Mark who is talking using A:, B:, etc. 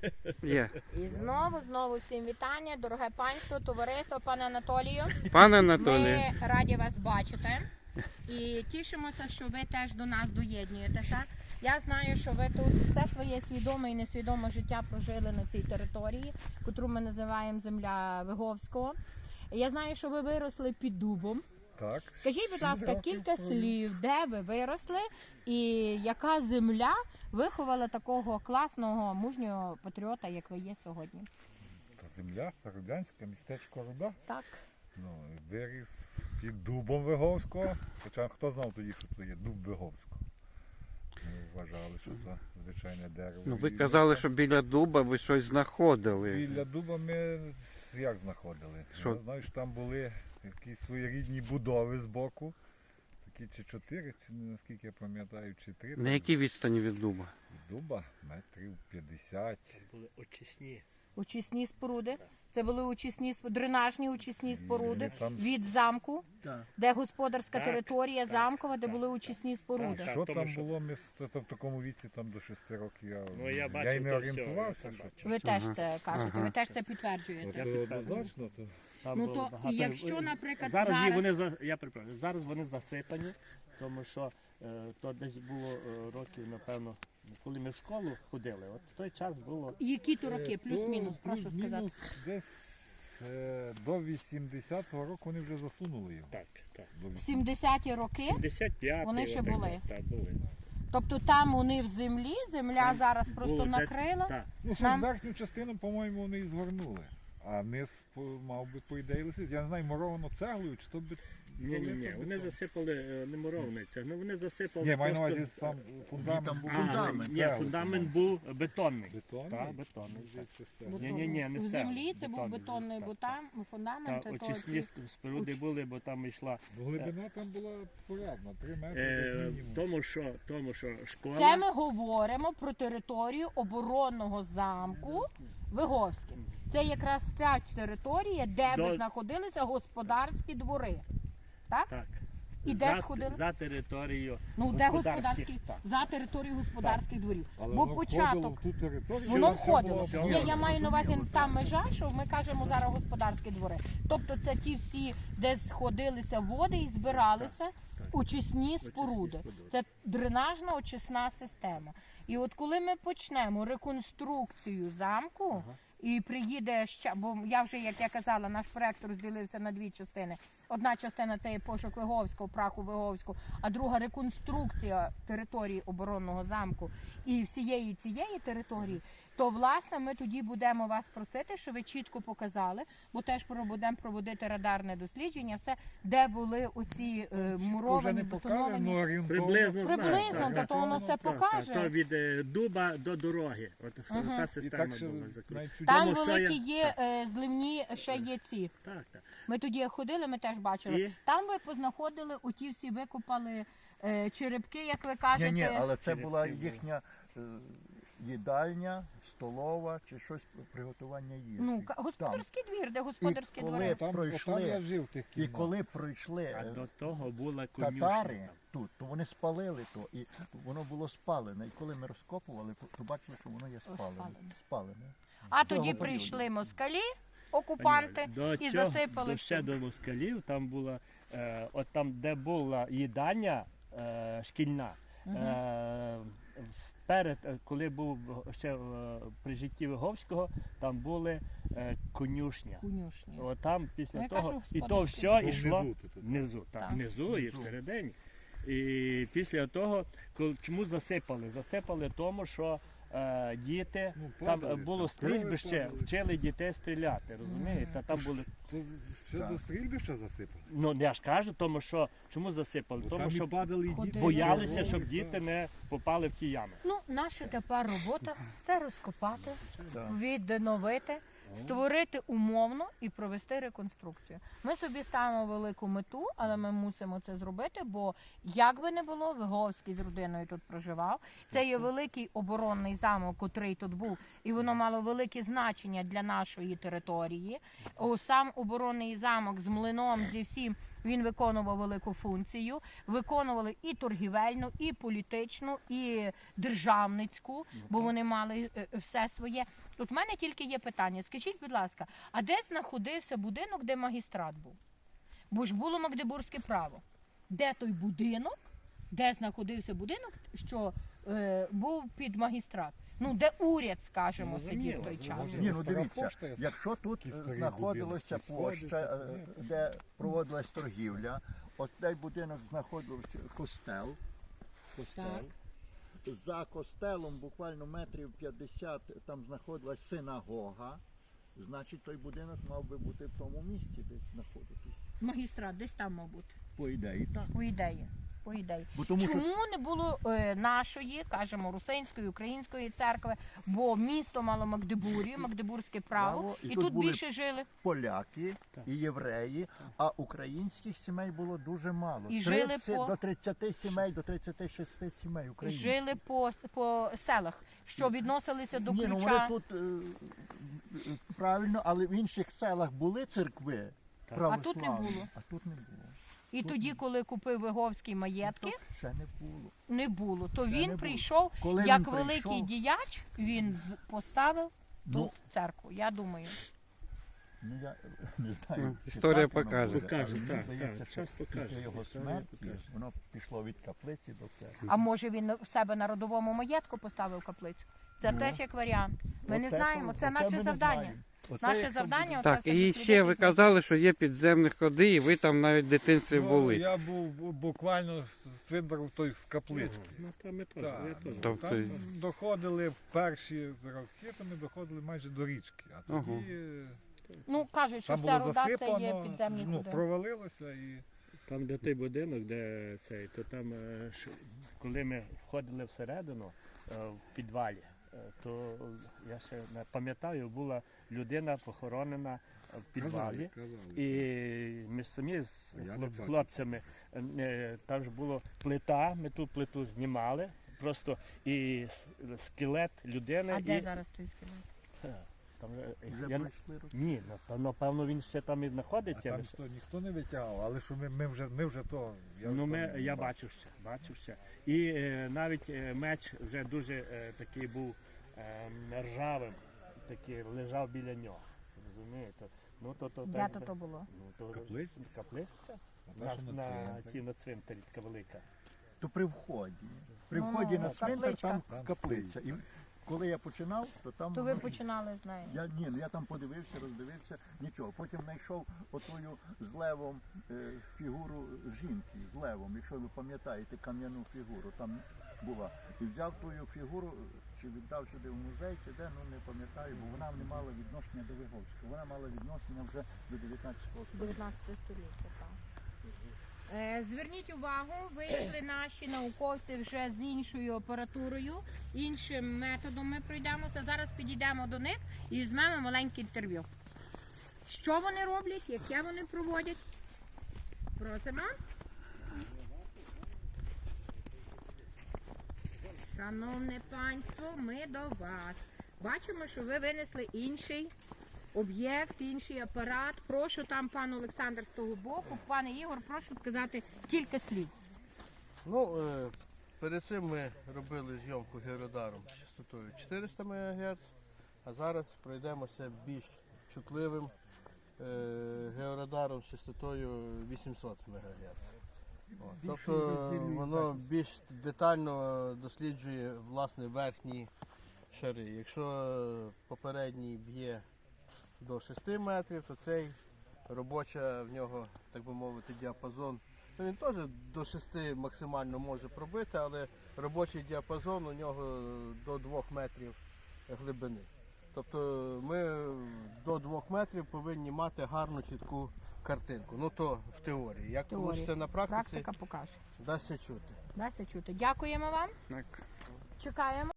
A: Є.
B: І знову всім вітання, дороге панство, товариство, пане Анатолію.
A: Пане Анатолій.
B: Ми раді вас бачити і тішимося, що ви теж до нас доєднуєтеся. Я знаю, що ви тут все своє свідоме і несвідоме життя прожили на цій території, яку ми називаємо земля Виговського. Я знаю, що ви виросли під дубом.
C: Так.
B: Скажіть, будь ласка, кілька слів, де ви виросли і яка земля виховала такого класного, мужнього патріота, як ви є сьогодні?
C: Земля, Рудянська, містечко Руда.
B: Так.
C: Ну, виріс під дубом Виговського. Хоча хто знав тоді, що це є дуб Виговського. Ми вважали, що це звичайне дерево.
A: Ну, ви казали, що біля дуба ви щось знаходили.
C: Біля дуба ми як знаходили?
A: Що?
C: Я знаю, що там були якісь своєрідні будови з боку. Такі чи 4, наскільки я пам'ятаю, чи 3.
A: На якій відстані від дуба?
C: Від дуба метрів 50.
D: Були очисні.
B: Очисні споруди. Це були дренажні очисні споруди
C: там-
B: від замку,
D: Так.
B: де господарська
D: Так,
B: територія
D: так,
B: замкова, де
D: так,
B: були
D: так.
B: очисні споруди.
D: Так.
C: Що
D: тому
C: там
D: що-
C: було в такому віці, там до 6 років, я
D: Я
C: й
D: бачив
C: не
D: то
C: орієнтувався.
D: все,
C: що
D: я
C: це.
B: Ви теж
A: Ага.
B: це кажете,
A: Ага.
B: ви теж це
C: От,
B: підтверджуєте.
C: однозначно, то
D: Там
B: Ну
D: було
B: то
D: багато.
B: якщо, наприклад,
D: зараз
B: зараз...
D: вони зараз вони засипані, тому що то десь було років, напевно, коли ми в школу ходили. От в той час було
B: Які то роки, плюс-мінус, прошу сказати.
C: плюс-мінус десь до 80-го року вони вже засунули його.
D: так.
C: До
B: 70-ті роки,
D: 75
B: Вони ще були.
D: Так, були.
B: тобто там вони в землі, земля
D: Там
B: зараз просто
D: Було десь-
B: накрила.
D: Так.
C: Ну, що
B: Нам-
C: з верхню частину, по-моєму, вони і згорнули. А низ мав би, по ідеї, лисиць. Я не знаю, муровано цеглою, чи то би...
D: Ні. Вони засипали не муровниця, ну вони засипали.
C: Ні, маю на
D: просто-
C: увазі сам фундамент був.
D: Ні, фундамент був бетонний.
C: Бетонний?
D: Так, бетонний. так.
C: Бетонний?
D: Ні, не
B: В
D: все.
B: землі це був
D: Бетонний,
B: бетонний,
D: так,
B: бо
D: так.
B: там фундамент.
D: Та
B: то
D: очисні
B: ці-
D: споруди були, бо там йшла.
C: Ну, глибина там була порядна, 3 метри як мінімум.
D: Тому що школа.
B: Це ми говоримо про територію оборонного замку Виговське. Це якраз ця територія, де би
D: До-
B: знаходилися господарські двори. Так?
D: Так.
B: І де сходили?
D: За територією
B: Ну, де
D: господарських,
B: господарські,
D: так.
B: за територією господарських дворів.
C: Але
B: Бо
C: воно
B: початок,
C: входило в ту територію.
B: воно
C: все
B: входило.
C: було
D: Все
B: Ні,
D: було.
B: я маю на увазі
C: зрозуміло,
B: та
C: так.
B: межа, що ми кажемо зараз господарські двори. Тобто це ті всі, де сходилися води і збиралися очисні споруди.
D: споруди.
B: Це дренажна очисна система. І от коли ми почнемо реконструкцію замку, і приїде ще, бо я вже, як я казала, наш проект розділився на 2 частини. Одна частина це є пошук Виговського, праху Виговського, а друга реконструкція території оборонного замку і всієї цієї території, то, власне, ми тоді будемо вас просити, щоб ви чітко показали, бо теж будемо проводити радарне дослідження, все, де були оці
C: Вже
B: муровані,
C: не покаже,
B: бетоновані.
C: ну орієнтовно.
D: Приблизно
B: Приблизно,
D: знаю,
B: та то воно все
D: Так,
B: покаже.
D: То від дуба до дороги. От та
C: І
D: система
C: так, що
D: була закручена.
C: навіть чуть-
B: Там
D: Тому що
B: великі
D: я-
B: є зливні, ще є ці.
D: Так.
B: Ми тоді як ходили, ми теж бачили.
D: І?
B: Там ви познаходили, оті всі викопали черепки, як ви кажете.
E: Ні, але це була їхня їдальня, столова чи щось приготування їжі.
B: Ну,
E: Там.
B: господарський двір, де господарські
E: І коли
B: двори.
C: Там,
E: пройшли,
C: отам я жив в тих
E: І
C: кімнатах.
E: коли пройшли
D: А до того була конюшня.
E: татари тут, то вони спалили то, і воно було спалене. І коли ми розкопували, то бачили, що воно є спалене. Спалене.
B: А
E: Того
B: тоді
E: періоду.
B: прийшли москалі, окупанти,
D: До
B: і
D: цього-
B: засипали
D: ще
B: все.
D: до москалів, там була, от там, де була їдальня шкільна, коли був ще при житті Виговського, там були конюшня.
B: Конюшні.
D: От там після
B: Ну, я
D: того,
B: кажу,
D: і то
B: господарські.
D: все
C: То
D: йшло
C: внизу тут, так?
D: внизу, так,
B: Так.
D: внизу і всередині. І після того, чому засипали? Засипали тому, що діти,
C: Ну,
D: там
C: падали,
D: було
C: там
D: стрільбище,
C: падали.
D: вчили дітей стріляти, розумієте? Там були,
C: Це ще до стрільбища засипали.
D: ну я ж кажу, тому що, чому засипали?
C: Бо
D: Тому
C: там
D: що
C: і падали і діти.
B: Ходили.
D: боялися, щоб діти не попали в ті ями.
B: Ну, наша тепер робота все розкопати,
E: Так.
B: відновити, створити умовно і провести реконструкцію. Ми собі ставимо велику мету, але ми мусимо це зробити, бо як би не було, Виговський з родиною тут проживав. Це є великий оборонний замок, котрий тут був, і воно мало велике значення для нашої території. Сам оборонний замок з млином, зі всім, Він виконував велику функцію. Виконували і торгівельну, і політичну, і державницьку, бо вони мали все своє. Тут в мене тільки є питання. Скажіть, будь ласка, а де знаходився будинок, де магістрат був? Бо ж було Магдебурзьке право. Де той будинок, де знаходився будинок, що був під магістрат? Ну, де уряд, скажімо, сидів в той час.
E: Ні, ну дивіться, якщо тут знаходилася площа, де проводилась торгівля, от цей будинок знаходився костел.
B: Так.
E: За костелом буквально метрів 50 там знаходилась синагога. Значить, той будинок мав би бути в тому місці, десь знаходитись.
B: Магістрат десь там, мабуть,
E: По ідеї, так.
B: по ідеї. По ідеї.
E: Бо тому що
B: Чому не було нашої, кажемо, русинської, української церкви, бо місто мало Магдебурію, Магдебурзьке право,
E: Право, і
B: і
E: тут
B: тут
E: були
B: більше жили.
E: поляки
D: Так.
E: і євреї, а українських сімей було дуже мало.
B: І жили
E: 30
B: по-
E: до 30 сімей, до 36 сімей українських.
B: Жили по селах, що відносилися до
E: Ні, ну вони
B: ключа.
E: тут правильно, але в інших селах були церкви
D: Так.
E: православні,
B: А тут не було.
E: А тут не було.
B: І тоді, коли купив Виговський маєтки,
E: Тут ще не було.
B: не було. То
E: Ще не
B: він
E: було.
B: прийшов,
E: Коли
B: як
E: він
B: великий
E: прийшов-
B: діяч, він поставив
E: Ну,
B: тут церкву, я думаю.
E: Ну, я не знаю.
A: Ну,
E: чи
A: історія
E: так воно
A: покаже.
E: буде,
D: Покаже,
E: але мені
D: так,
E: здається,
D: так,
E: що
D: час покаже,
E: після його
D: історія
E: смерті
D: покаже.
E: воно пішло від каплиці до церкви.
B: А може він в себе на родовому маєтку поставив каплицю? Це
E: Ну.
B: теж як варіант. Ми не
E: Оце
B: знаємо,
E: то-
B: це
E: оце
B: наше
E: ми не
B: завдання.
E: знаємо. Оце
B: Наше
E: якщо
B: завдання
E: буде-
B: оце
A: Так,
B: все
A: і
B: дослідити
A: ще ви
B: і знати.
A: казали, що є підземні ходи, і ви там навіть в дитинстві
C: Ну,
A: були.
C: я був буквально з цвинтару той з каплички.
D: Ну, там ми теж,
C: Так,
D: я теж.
A: Тобто-
C: там доходили в перші роки, то ми доходили майже до річки. А тоді
B: Ну, кажуть, що
C: там
B: вся
C: було
B: руда це є
C: засипано,
B: підземні
C: ну,
B: ходи.
C: провалилося і
D: Там, де той будинок, де цей, то там, коли ми входили всередину, в підвалі, то я ще не пам'ятаю, була людина похоронена в підвалі. І ми самі з
C: Я не бачив.
D: хлопцями, там ж була плита, ми ту плиту знімали, просто і скелет людини.
B: А де
D: і,
B: зараз той скелет?
D: Там,
E: Вже
D: я,
E: пройшли роки.
D: ні, напевно він ще там і
C: а
D: знаходиться.
C: там що, ніхто не витягав, але що ми вже то.
D: Я бачив ще. І навіть меч вже дуже такий був ржавим, такий лежав біля нього. Розумієте? Ну,
B: Де то було?
C: Каплиця?
D: Каплиця?
C: А та, що на цвинтарі?
D: На цвинтарі така велика.
E: То при вході. При
B: Ну,
E: вході на
B: капличка.
E: цвинтар там
C: Там
E: каплиця. І коли я починав, то там
B: То ви
E: воно-
B: починали з нею.
E: я там подивився, роздивився, нічого. Потім знайшов отою з левом фігуру жінки, з левом, якщо ви пам'ятаєте кам'яну фігуру, там була. І взяв тую фігуру, чи віддав сюди в музей, чи де, ну не пам'ятаю, бо вона не мала відношення до Виговського. Вона мала відношення вже до 19 століття.
B: 19 століття, так. Зверніть увагу, вийшли наші науковці вже з іншою апаратурою, іншим методом ми пройдемося. Зараз підійдемо до них і візьмемо маленьке інтерв'ю. Що вони роблять, яке вони проводять? Просимо. Шановне панство, ми до вас. Бачимо, що ви винесли інший об'єкт, інший апарат. Прошу там пан Олександр з того боку. Пане Ігор, прошу сказати кілька слів.
F: Ну, перед цим ми робили зйомку георадаром частотою 400 МГц, а зараз пройдемося більш чутливим георадаром з частотою 800 МГц. Тобто воно більш детально досліджує власне верхні шари. Якщо попередній б'є до 6 метрів, то цей робоча в нього, так би мовити, діапазон. Ну, він теж до 6 максимально може пробити, але робочий діапазон у нього до 2 метрів глибини. Тобто ми до 2 метрів повинні мати гарну чітку картинку. Ну то в теорії. Як вийде на практиці,
B: Практика покаже.
F: дасться чути.
B: Дасться чути. Дякуємо вам.
A: Так.
B: Чекаємо.